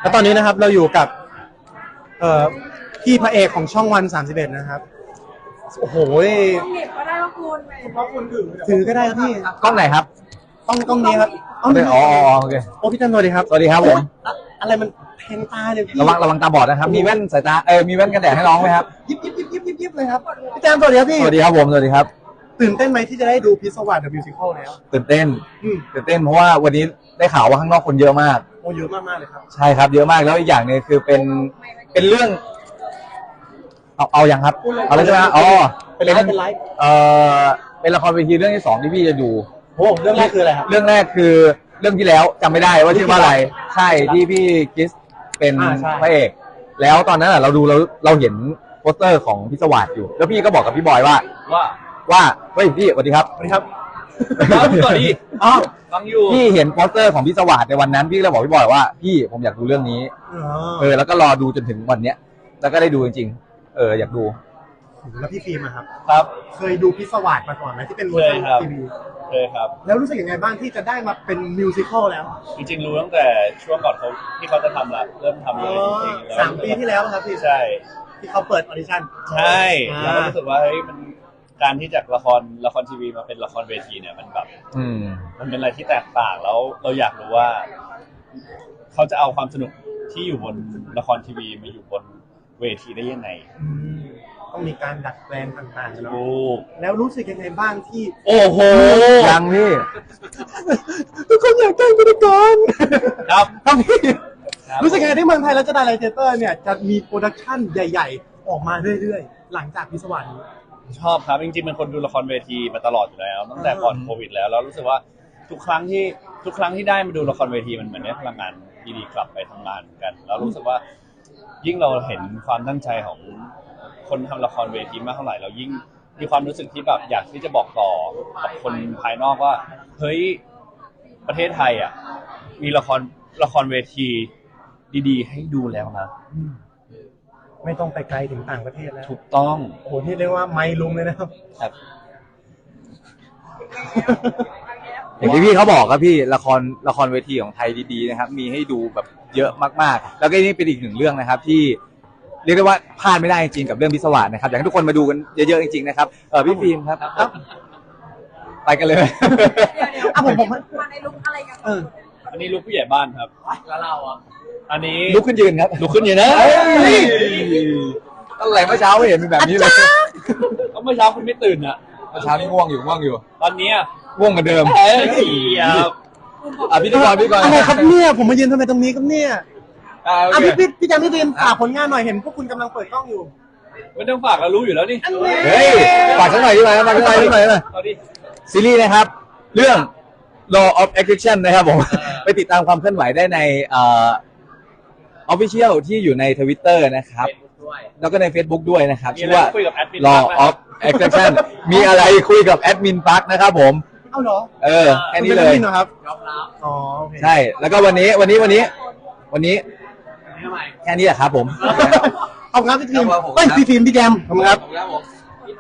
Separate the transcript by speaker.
Speaker 1: แล้วตอนนี้นะครับเราอยู่กับพี่พระเอกของช่องวัน31นะครับโอ้โห
Speaker 2: เก็บก็ได้ว่าคุณเพราะคุณ
Speaker 1: ถือก็ได้ครับพี่
Speaker 3: กล้องไหนครับ
Speaker 1: ต้องนี้ครับ
Speaker 3: อ๋อโอเค
Speaker 1: โอ้พี่จันสวัสดีครับ
Speaker 3: สวัสดีครับผม
Speaker 1: อะไรมันแทงตาเนี่ยพี่
Speaker 3: ระวังตาบอดนะครับมีแว่นสายตามีแว่นกันแดดให้น้องไหมครับ
Speaker 1: ยิบเลยครับพี่จันสวัสดีครับพี่
Speaker 3: สวัสดีครับผมสวัสดีครับ
Speaker 1: ตื่นเต้นไหมที่จะได้ดูพิศวาส The Musical แล้ว
Speaker 3: ตื่นเต้นเพราะว่าวันนี้ได้ข่าวว่าข้างนอกคนเยอะมาก
Speaker 1: โอ้เยอะมากเลยครับ
Speaker 3: ใช่ครับเยอะมากแล้วอีกอย่างนึงคือเป็นเรื่องเอาอย่างครับเอาเลยใช่ไหมอ๋อ
Speaker 1: เป็นไลฟ์
Speaker 3: เป็นละครเวทีเรื่องที่2ที่พี่จะดู
Speaker 1: โอ้เรื่องแรกคืออะไรครับ
Speaker 3: เรื่องแรกคือเรื่องที่แล้วจำไม่ได้ว่าชื่อว่าอะไรใช่ที่พี่กิสเป็นพระเอกแล้วตอนนั้นเราดูเราเห็นโปสเตอร์ของพิศวาสอยู่แล้วพี่ก็บอกกับพี่บอยว่าเฮ้ยพี่สวัสดีครับ
Speaker 1: สวัสดีครับ
Speaker 3: สวัสดีฟังอยู่พี่เห็นโปสเตอร์ของพิศวาสในวันนั้นพี่เลยบอกพี่บอยว่าพี่ผมอยากดูเรื่องนี้แล้วก็รอดูจนถึงวันเนี้ยแล้วก็ได้ดูจริงๆอยากดู
Speaker 1: แล้วพี่ฟิล์มครับ
Speaker 3: ครับ
Speaker 1: เคยดูพิศวาสมาก่อนไหมที่เป็นเวอร์ชันทีวี
Speaker 4: เคยครับ
Speaker 1: แล้วรู้สึกยังไงบ้างที่จะได้มาเป็นมิวสิควลแล้ว
Speaker 4: จริงๆรู้ตั้งแต่ช่วงก่อนที่เขาจะทำละเริ่มทำเลยจริง
Speaker 1: ๆ3 ปีที่แล้วครับพี่
Speaker 4: ใช่
Speaker 1: ที่เขาเปิดออดิชั่น
Speaker 4: ใช่แล้วก็รู้สึกว่าเฮ้ยมันการที่จากละครทีวีมาเป็นละครเวทีเนี่ยมันแบบมันเป็นอะไรที่แตกต่างแล้วเราอยากรู้ว่าเขาจะเอาความสนุกที่อยู่บนละครทีวีมาอยู่บนเวทีได้ยังไง
Speaker 1: ต้องมีการดัดแปลงต่างๆ
Speaker 4: นะ
Speaker 1: แล้วรู้สึกยังไงบ้างที่
Speaker 3: โอ้โหยังพี่
Speaker 1: ทุกคนอยากได้พิธีกร
Speaker 4: ครับ
Speaker 1: พี่รู้สึกยังไงที่เมืองไทยแล้วจะได้ไลท์เทเตอร์เนี่ยจะมีโปรดักชั่นใหญ่ๆออกมาเรื่อยๆหลังจากพิศวาสนี้
Speaker 4: ชอบครับจริงๆเป็นคนดูละครเวทีมาตลอดอยู่แล้วตั้งแต่ก่อนโควิดแล้วรู้สึกว่าทุกครั้งที่ได้มาดูละครเวทีมันเหมือนได้พลังงานดีๆกลับไปทำงานกันแล้วรู้สึกว่ายิ่งเราเห็นความตั้งใจของคนทำละครเวทีมากเท่าไหร่เรายิ่งมีความรู้สึกที่แบบอยากที่จะบอกต่อกับคนภายนอกว่าเฮ้ยประเทศไทยอ่ะมีละครเวทีดีๆให้ดูแล้วนะ
Speaker 1: ไม่ต้องไปไกลถึงต่างประเทศแล้ว
Speaker 4: ถูกต้อง
Speaker 1: โอ้โหนี่เรียกว่าไม่ลุงเลยนะครับ
Speaker 3: อย่างที่พี่เขาบอกครับพี่ละครเวทีของไทยดีๆนะครับมีให้ดูแบบเยอะมากๆแล้วก็นี่เป็นอีกหนึ่งเรื่องนะครับที่เรียกได้ว่าพลาดไม่ได้จริงๆกับเรื่องพิศวาสนะครับอยากให้ทุกคนมาดูกันเยอะๆจริงๆนะครับพี่ฟิล์มครับไปกันเลย
Speaker 2: ผมมาในลุคอะไรกัน
Speaker 4: อันนี้ลุคผู้ใหญ่บ้านครับ
Speaker 2: แล้วเรา
Speaker 4: อันนี้
Speaker 3: ลุกขึ้นยืนครับ
Speaker 4: ลุกขึ้นยืนนะ
Speaker 3: ตั้งแต่เมื่อเช้าไม่เห็นเป็นแบบนี้เลย
Speaker 4: ก็เมื่อเช้าคุณไม่ตื่นอ่ะ
Speaker 3: เมื่อเช้านี่ง่วงอยู่
Speaker 4: ตอนนี้
Speaker 3: ง่วงเหมือนเดิม
Speaker 4: ครับ
Speaker 3: พี่ก่อน
Speaker 1: อะไรครับเนี่ยผมมายืนทำไมตรงนี้ครับเนี่ยพี่จันพี่ฟิล์มฝากผลงานหน่อยเห็นพวกคุณกำลังเปิดกล้องอยู่
Speaker 4: ไม่ต้องฝากเรารู้อยู่แล้วนี่
Speaker 3: เฮ้ยฝากสักหน่อยดีไหมฝากสักหน่อยซีรีส์นะครับเรื่อง Law of Attraction นะครับผมไปติดตามความเคลื่อนไหวได้ในOfficial ที่อยู่ใน Twitter นะครับแล้วก็ใน Facebook ด้วยนะครับชื่อว่า Law of Attraction มีอะไรคุยกับแอดมินปักนะครับผม
Speaker 1: เอาเหรอ
Speaker 3: แค่นี้เลย
Speaker 1: ครับ
Speaker 3: อ๋อใช่แล้วก็วันนี้แค่นี้แหละครับผม
Speaker 1: ขอบคุณครับพี่ฟิล์มพี่ฟิล์มพี่แจมขอบคุณครับ